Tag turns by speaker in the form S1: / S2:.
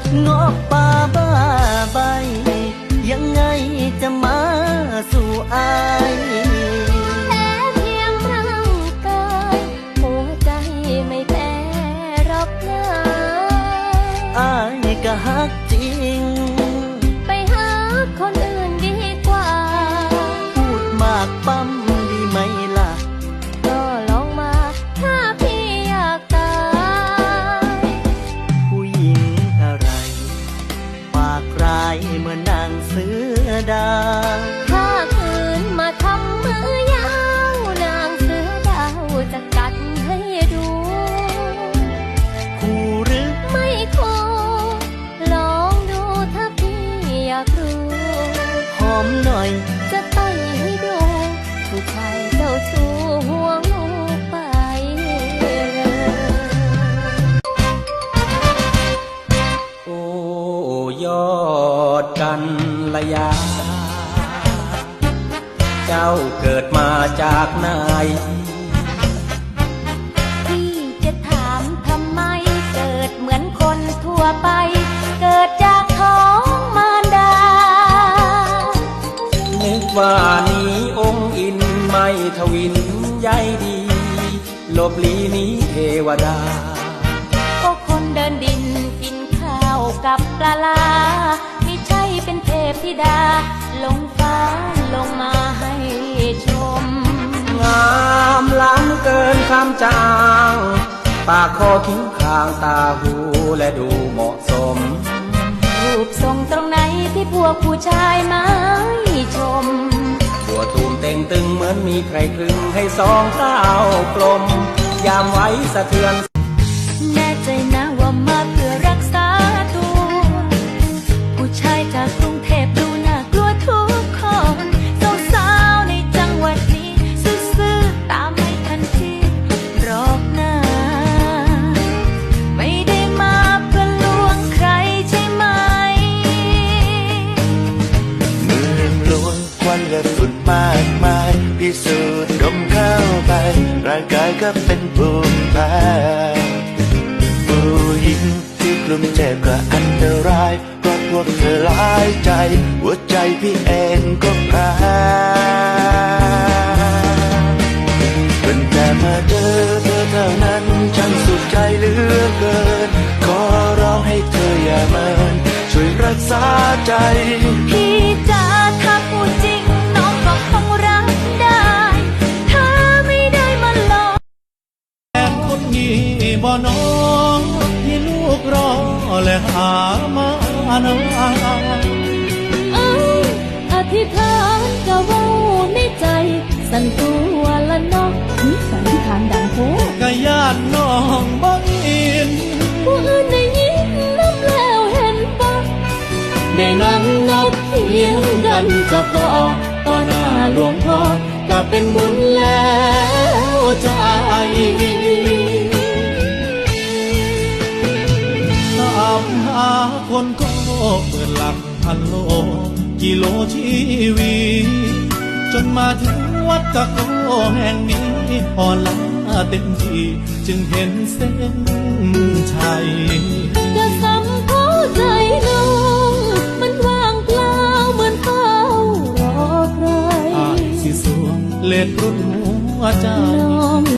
S1: เงาะป่าบ้าใบยังไงจะมาสู่อาย
S2: แพ้เพียงร่างกายหัวใจไม่แพ้หรอกนะ
S1: อายก็ฮักจริง
S2: ไปหาคนอื่นดีกว่า
S1: พูดมากปั๊มดีไหมล่ะ
S2: ก็ลองมาถ้าพี่อยากตาย
S1: ผู้หญิงอะไรปากร้ายเหมือนนางเสือดาว
S2: ถ้าคืนมาทำมือยาวนางเสือดาวจะกัดให้ดู
S1: คู่หรือ
S2: ไม่คู่ลองดูถ้าพี่อยากรู้
S1: หอมหน่อย
S2: จะต่อยให้ดูผู้ชายเจ้าชู้ห่วงไป
S3: โอ้ยอดกันละยาเจ้าเกิดมาจากไหน
S2: พี่จะถามทำไมเกิดเหมือนคนทั่วไปเกิดจากท้องมารดา
S3: นึกว่านี้องค์อินไม่ทวินใยดีลบลีนี้เทวดา
S2: ก็คนเดินดินกินข้าวกับปลาลาไม่ใช่เป็นเทพธิดาลงฟ้าลงมาให้ชม
S3: งามล้ำเกินคำจางปากคอคิ้วคางตาหูและดูเหมาะสม
S2: รูปทรงตรงไหนที่พวกผู้ชายไม่ชม
S3: บัวตูมเต่งตึงเหมือนมีใครคลึงให้สองเท้ากลมยามไว้สะเทือน
S2: แน่ใจนะว่ามาเพื่อรักษาตัวผู้ชายจากกรุงเทพดูน่ากลัวทุกคนสาวๆในจังหวัดนี้ซื่อๆตามไม่ทันทีหรอกนะไม่ได้มาเพื่อลวงใครใช่ไหม
S1: เมืองหลวงควันและฝุ่นมากมายพิสูจน์ดมเข้าไปร่างกายก็เป็นภูมิแพ้ผู้หญิงที่กลุ่มเจ็บก็อันตรายเพราะพวกเธอหลายใจหัวใจพี่เองก็แพ้เป็นแต่มาเจอเธอเท่านั้นฉันสุขใจเหลือเกินขอร้องให้เธออย่าเมินช่วยรักษาใจ
S2: พี่จ๋าถ้าพูดจริงน้องก็คงรักได้ถ้าไม่ได้มาหลอก
S4: แฟนคนนี้บ่น้องที่ลูกรอและหามานาน
S2: อธิษฐานก็เว้าในใจสั่นตัวละน้องสันนิษฐานดังโห
S4: ก็ญาติน้องบ่อิน
S2: ผู้อื่นได้ยินน้ำแล้วเห็นปะได้นั่งนับเพียงกันก็พอต่อหน้าหลวงพ่อก็เป็นบุญแล้วใจ
S4: ตามหาคนก็เปิดหลักพันโลกิโลชีวีจนมาถึงวัดตะโกแห่งนี้อ่อนล้าเต็มที่จึงเห็นเส้นชัย
S2: จะซ้ำเข้าใจน้องมันว่างเปล่าเหมือนเฝ้ารอใคร
S4: สิสวงเล็ดรุ่นหัวใจ
S2: น้อง